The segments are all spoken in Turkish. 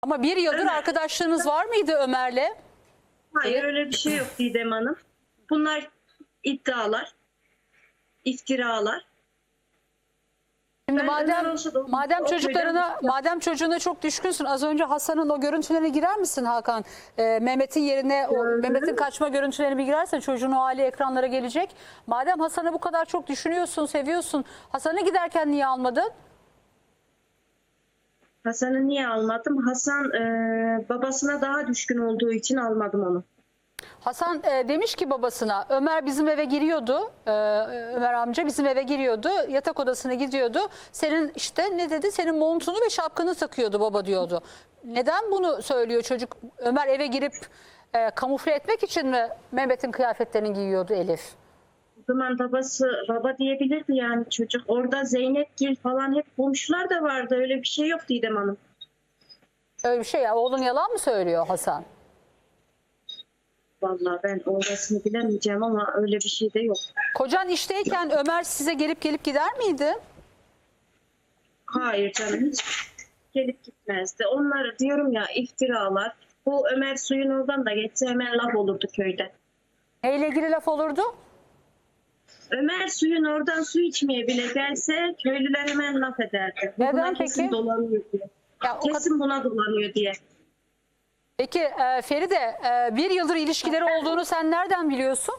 Ama bir yıldır Ömer. arkadaşlığınız var mıydı Ömer'le? Hayır, öyle bir şey yok Didem Hanım. Bunlar iddialar, iftiralar. Şimdi Ben Ömer olsa da madem o çocuklarına, köyden- madem çocuğuna çok düşkünsün, az önce Hasan'ın o görüntülerine girer misin Hakan? Mehmet'in yerine o Mehmet'in kaçma görüntülerine bir girersen çocuğun o hali ekranlara gelecek. Madem Hasan'ı bu kadar çok düşünüyorsun, seviyorsun, Hasan'ı giderken niye almadın? Hasan'ı niye almadım? Hasan babasına daha düşkün olduğu için almadım onu. Hasan demiş ki babasına, Ömer bizim eve giriyordu, Ömer amca bizim eve giriyordu, yatak odasına gidiyordu. Senin işte ne dedi, senin montunu ve şapkanı takıyordu baba diyordu. Neden bunu söylüyor çocuk? Ömer eve girip kamufle etmek için mi Mehmet'in kıyafetlerini giyiyordu Elif? O zaman babası baba diyebilirdi yani çocuk. Orada Zeynepgil falan hep komşular da vardı. Öyle bir şey yok Didem Hanım. Öyle bir şey ya, oğlun yalan mı söylüyor Hasan? Vallahi ben orasını bilemeyeceğim ama öyle bir şey de yok. Kocan işteyken Ömer size gelip gider miydi? Hayır canım, hiç gelip gitmezdi. Onları diyorum ya, iftiralar. Bu Ömer suyun oradan da geçse hemen laf olurdu köyde. Neyle ilgili laf olurdu? Ömer suyun oradan su içmeye bile gelse köylüler hemen laf ederdi. Bu Neden buna kesin peki? dolanıyor diye. Ya, o Kesin buna dolanıyor diye. Peki Feride, bir yıldır ilişkileri olduğunu sen nereden biliyorsun?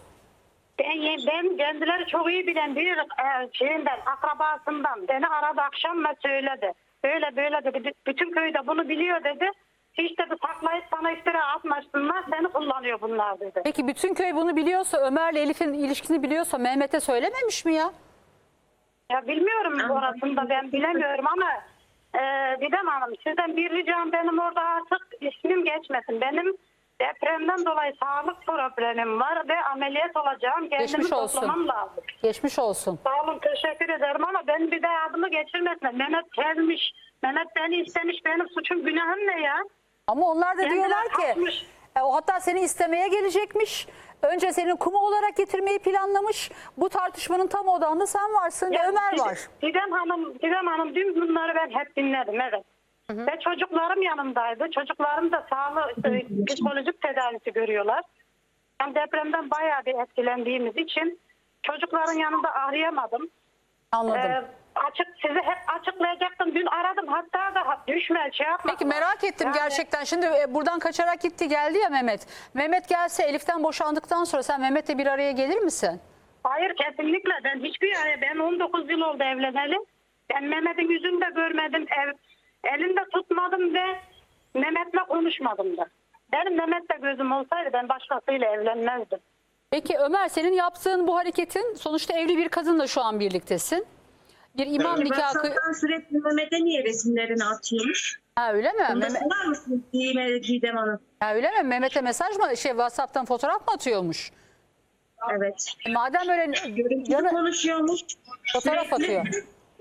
Ben kendileri çok iyi bilen bir şeyinden, akrabasından beni aradı akşam ve söyledi. Böyle böyle dedi. Bütün köyde bunu biliyor dedi. Hiç dedi saklayıp sana iftira atmasınlar. Seni kullanıyor bunlar dedi. Peki bütün köy bunu biliyorsa, Ömer'le Elif'in ilişkisini biliyorsa Mehmet'e söylememiş mi ya? Ya bilmiyorum orasını da ben bilemiyorum ama Didem Hanım sizden bir ricam, benim orada artık ismim geçmesin. Benim depremden dolayı sağlık problemim var ve ameliyat olacağım. Kendimi Geçmiş olsun. toplamam lazım. Geçmiş olsun. Sağ olun, teşekkür ederim ama ben bir daha adımı geçirmesin. Mehmet sevmiş, Mehmet beni istemiş, benim suçum günahım ne ya? Ama onlar da Kendileri diyorlar ki hakmış. o hatta seni istemeye gelecekmiş. Önce senin kumu olarak getirmeyi planlamış. Bu tartışmanın tam odağında sen varsın ve Ömer var. Didem Hanım dün bunları ben hep dinledim, evet. Ve çocuklarım yanımdaydı. Çocuklarım da sağlık, psikolojik tedavisi görüyorlar. Ben depremden bayağı bir etkilendiğimiz için çocukların yanında arayamadım. Anladım. Size hep açıklayacaktım. Dün aradım, hatta da düşme şey yapma. Peki merak ettim Yani- gerçekten. Şimdi buradan kaçarak gitti geldi ya Mehmet. Mehmet gelse Elif'ten boşandıktan sonra sen Mehmet'le bir araya gelir misin? Hayır, kesinlikle. Ben 19 yıl oldu evleneli. Ben Mehmet'in yüzünü de görmedim. Elinde tutmadım ve Mehmet'le konuşmadım da. Benim Mehmet'le gözüm olsaydı ben başkasıyla evlenmezdim. Peki Ömer, senin yaptığın bu hareketin, sonuçta evli bir kadınla şu an birliktesin. Bir imam Peki nikahı... WhatsApp'tan sürekli Mehmet'e niye resimlerini atıyormuş? Ha, öyle mi? Bunda sorar mısınız Didem Hanım? Ha, öyle mi? Mehmet'e mesaj mı, WhatsApp'tan fotoğraf mı atıyormuş? Evet. Madem öyle Görüntülü konuşuyormuş. fotoğraf Sürekli. atıyor.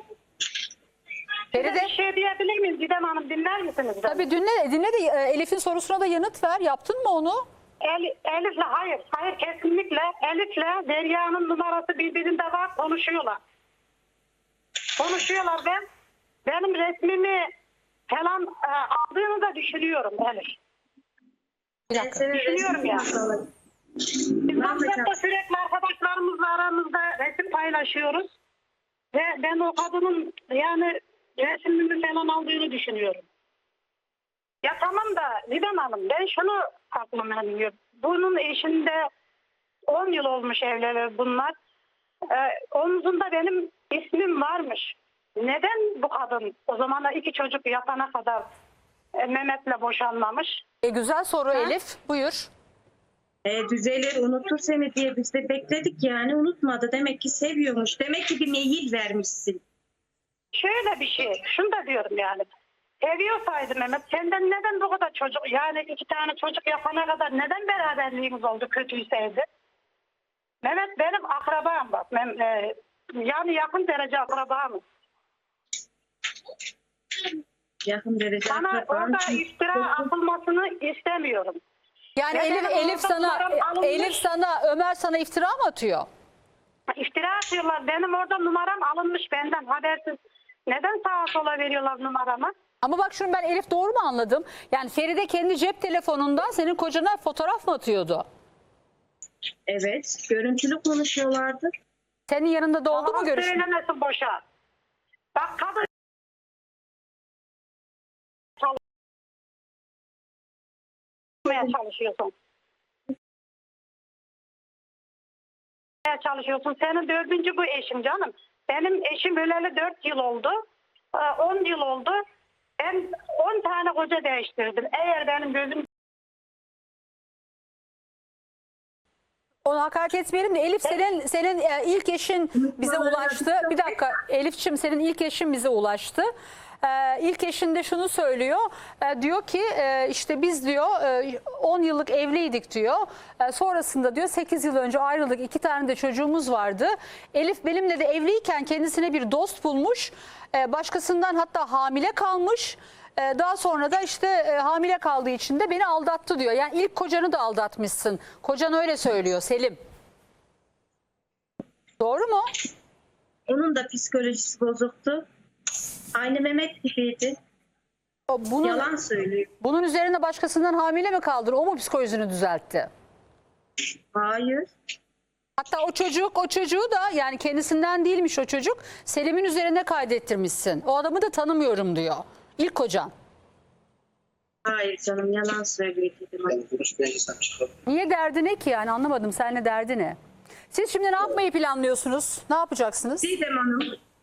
Bir Feride, şey diyebilir miyim Didem Hanım, dinler misiniz? tabii dinle de Elif'in sorusuna da yanıt ver. Yaptın mı onu? Elif'le hayır kesinlikle Elif'le Derya'nın numarası birbirinde var, konuşuyorlar. Benim resmimi falan aldığını da düşünüyorum Elif. Bir Ben dakika. senin Düşünüyorum ya. resmini alayım. Biz WhatsApp'ta sürekli arkadaşlarımızla aramızda resim paylaşıyoruz. Ve ben o kadının yani resmimi falan aldığını düşünüyorum. Ya tamam da Didem Hanım, ben şunu aklıma geliyor. Bunun eşinde 10 yıl olmuş evliler bunlar. Omzunda benim ismim varmış. Neden bu kadın o zaman da 2 çocuk yapana kadar Mehmet'le boşanmamış? Güzel soru Elif. Buyur. Düzelir, unutur seni diye biz de bekledik yani, unutmadı. Demek ki seviyormuş. Demek ki bir meyil vermişsin. Şöyle bir şey, şunu da diyorum yani. Seviyorsaydı Mehmet, senden neden bu kadar çocuk, yani 2 tane çocuk yapana kadar neden beraberliğimiz oldu, kötüyseydi? Mehmet benim akrabam bak. Yani yakın derece akrabamız. Yakın derece. Sana akrabam orada için- iftira atılmasını istemiyorum. Yani Ve benim Elif sana Ömer sana iftira mı atıyor? İftira atıyorlar. Benim orada numaram alınmış benden habersiz. Neden sağa sola veriyorlar numaramı? Ama bak şunu ben Elif doğru mu anladım? Yani Feride kendi cep telefonundan senin kocana fotoğraf mı atıyordu? Evet, görüntülü konuşuyorlardı. Senin yanında da oldu mu Yalan görüşme? söylemesin boşa. Bak kadın çalışıyorsun. Çalışıyorsun. Senin dördüncü bu eşim canım. Benim eşim öleli 4 yıl oldu. 10 yıl oldu. Ben 10 tane koca değiştirdim. Eğer benim gözüm Ona hakaret etmeyelim de Elif senin ilk eşin bize ulaştı. Bir dakika Elif'ciğim senin ilk eşin bize ulaştı. İlk eşin de şunu söylüyor. Diyor ki işte biz diyor 10 yıllık evliydik diyor. Sonrasında diyor 8 yıl önce ayrıldık. 2 tane de çocuğumuz vardı. Elif benimle de evliyken kendisine bir dost bulmuş. Başkasından hatta hamile kalmış. Daha sonra da işte hamile kaldığı için de beni aldattı diyor. Yani ilk kocanı da aldatmışsın. Kocan öyle söylüyor Selim. Doğru mu? Onun da psikolojisi bozuktu. Aynı Mehmet gibiydi. Yalan söylüyor. Bunun üzerine başkasından hamile mi kaldın? O mu psikolojisini düzeltti? Hayır. Hatta o çocuğu da yani kendisinden değilmiş o çocuk. Selim'in üzerine kaydettirmişsin. O adamı da tanımıyorum diyor. İlk kocan. Hayır canım, yalan söylüyor dedim. Niye derdi ne ki yani anlamadım. Seninle derdi ne? Siz şimdi ne yapmayı planlıyorsunuz? Ne yapacaksınız? Didem Hanım,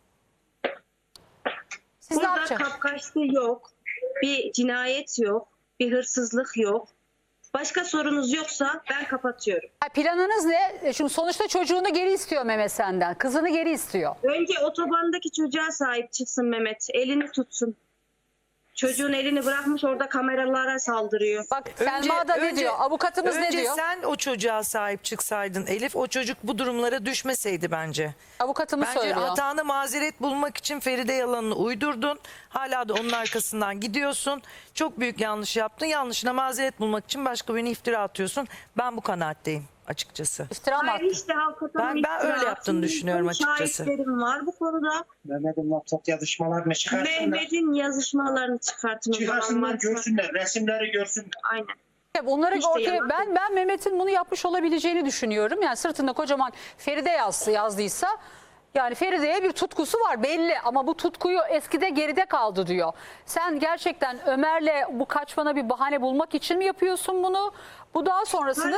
Siz ne burada yapacaksınız? kapkaçlı yok. Bir cinayet yok. Bir hırsızlık yok. Başka sorunuz yoksa ben kapatıyorum. Planınız ne? Şimdi sonuçta çocuğunu geri istiyor Mehmet senden. Kızını geri istiyor. Önce otobandaki çocuğa sahip çıksın Mehmet. Elini tutsun. Çocuğun elini bırakmış orada kameralara saldırıyor. Bak Selma da ne diyor? Avukatımız ne diyor? Önce sen o çocuğa sahip çıksaydın Elif, o çocuk bu durumlara düşmeseydi bence. Avukatımız Bence söylüyor. hatanı mazeret bulmak için Feride yalanını uydurdun. Hala da onun arkasından gidiyorsun. Çok büyük yanlış yaptın. Yanlışına mazeret bulmak için başka birine iftira atıyorsun. Ben bu kanaatteyim açıkçası. İftira mı Hayır, attı? işte avukatın Ben öyle yaptığını düşünüyorum açıkçası. Şahitlerim var bu konuda. Mehmet'in WhatsApp yazışmalarını çıkarsınlar. Mehmet'in yazışmalarını çıkartın. o zaman. Çıkarsınlar, varsa. görsünler, resimleri görsünler. Aynen. Bunları İşte ortaya yalan. ben Mehmet'in bunu yapmış olabileceğini düşünüyorum. Yani sırtında kocaman Feride yazdıysa yani Feride'ye bir tutkusu var belli ama bu tutkuyu eskide geride kaldı diyor. Sen gerçekten Ömer'le bu kaçmana bir bahane bulmak için mi yapıyorsun bunu? Bu daha sonrasında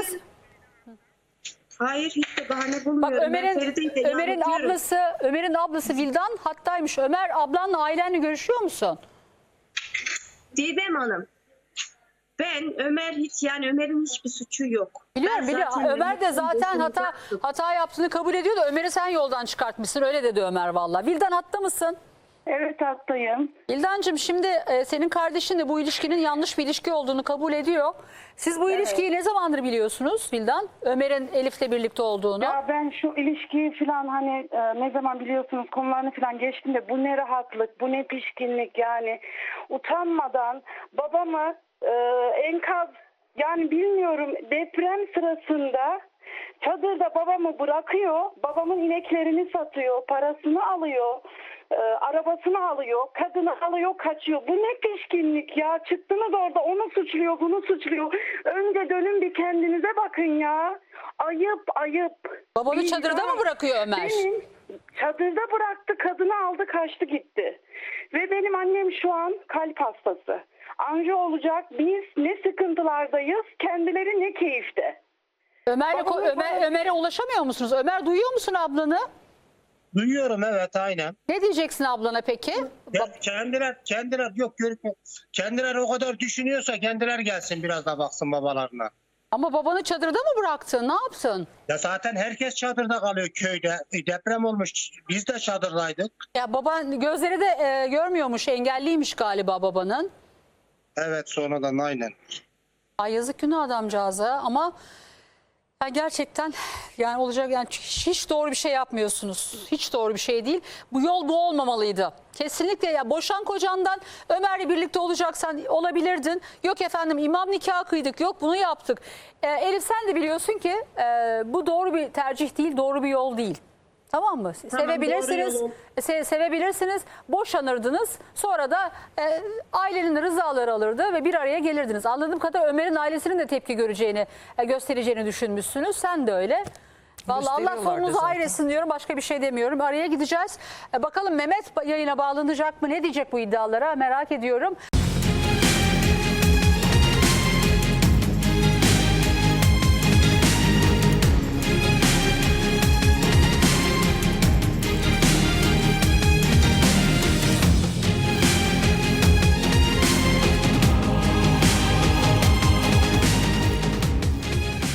Hayır, hiç de bahane bak bulmuyorum. Ben Feride'yi de yanıltıyorum. Ömer'in ablası Vildan hattaymış. Ömer ablanla ailenle görüşüyor musun? Didem Hanım, ben Ömer'in hiçbir suçu yok. Biliyorum Ben zaten Ömer de Mehmet'in zaten gözünü baktım. hata yaptığını kabul ediyor da Ömer'i sen yoldan çıkartmışsın öyle dedi Ömer valla. Vildan hatta mısın? evet hastayım. Vildancığım şimdi senin kardeşin de bu ilişkinin yanlış bir ilişki olduğunu kabul ediyor. Siz bu ilişkiyi ne zamandır biliyorsunuz Vildan? Ömer'in Elif'le birlikte olduğunu. Ya ben şu ilişkiyi falan hani ne zaman biliyorsunuz konularını falan geçtim de bu ne rahatlık, bu ne pişkinlik yani utanmadan babamı enkaz yani bilmiyorum deprem sırasında çadırda babamı bırakıyor, babamın ineklerini satıyor, parasını alıyor. Arabasını alıyor, kadını alıyor, kaçıyor. Bu ne pişkinlik ya. Çıktınız orada onu suçluyor, bunu suçluyor. Önce dönün bir kendinize bakın ya. Ayıp, ayıp. Babanı Vicdan. çadırda mı bırakıyor Ömer? Benim çadırda bıraktı, kadını aldı, kaçtı gitti. Ve benim annem şu an kalp hastası. Anca olacak. Biz ne sıkıntılardayız, kendileri ne keyifte. Ömer'e ulaşamıyor musunuz? Ömer duyuyor musun ablanı? Duyuyorum, evet, aynen. Ne diyeceksin ablana peki? Ya, kendiler yok görüp kendiler o kadar düşünüyorsa kendiler gelsin biraz da baksın babalarına. Ama babanı çadırda mı bıraktın? Ne yaptın? Ya zaten herkes çadırda kalıyor köyde. Deprem olmuş. Biz de çadırdaydık. Ya baban gözleri de görmüyormuş, engelliymiş galiba babanın. Evet, sonradan aynen. Ay yazık günah adamcağıza ama ya gerçekten yani olacak yani hiç doğru bir şey yapmıyorsunuz. Hiç doğru bir şey değil. Bu yol bu olmamalıydı. Kesinlikle ya boşan kocandan Ömer'le birlikte olacaksan olabilirdin. Yok efendim imam nikahı kıydık, yok bunu yaptık. Elif sen de biliyorsun ki bu doğru bir tercih değil, doğru bir yol değil. Tamam mı? Tamam, Sevebilirsiniz. doğru yolu. Sevebilirsiniz. Boşanırdınız. Sonra da ailenin rızaları alırdı ve bir araya gelirdiniz. Anladığım kadarıyla Ömer'in ailesinin de tepki göreceğini, göstereceğini düşünmüşsünüz. Sen de öyle. Vallahi Allah Gösteriyorlardı sorunuzu zaten. ailesin diyorum. Başka bir şey demiyorum. Araya gideceğiz. Bakalım Mehmet yayına bağlanacak mı? Ne diyecek bu iddialara? Merak ediyorum.